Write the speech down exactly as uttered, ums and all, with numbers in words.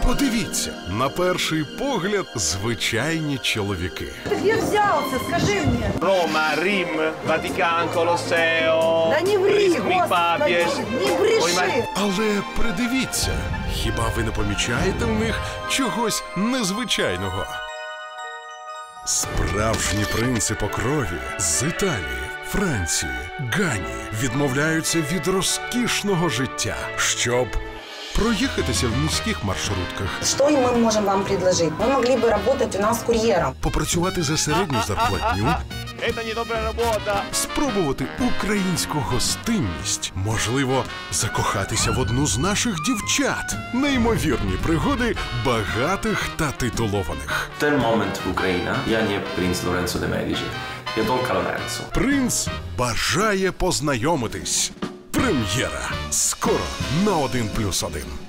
Подивіться, на перший погляд, звичайні чоловіки. Ты где взялся, скажи мне? Рома, Рим, Ватикан, Колосео, Да не ври, Римський папіж. Господи, не бреши. Але придивіться, хіба ви не помічаєте в них чогось незвичайного? Справжні принци по крові з Італії, Франції, Гані відмовляються від розкішного життя, щоб проїхатися в міських маршрутках. Что мы можем вам предложить? Вы могли бы работать у нас курьером. Попрацювати за середню зарплатню, Це не добра робота. спробувати українську гостинність, можливо, закохатися в одну з наших дівчат. Неймовірні пригоди багатих та титулованих. В той момент в Україні я не принц Лоренцо де Медичі, я донька Лоренцо. Принц бажає познайомитись. Прем'єра. Скоро на один плюс один.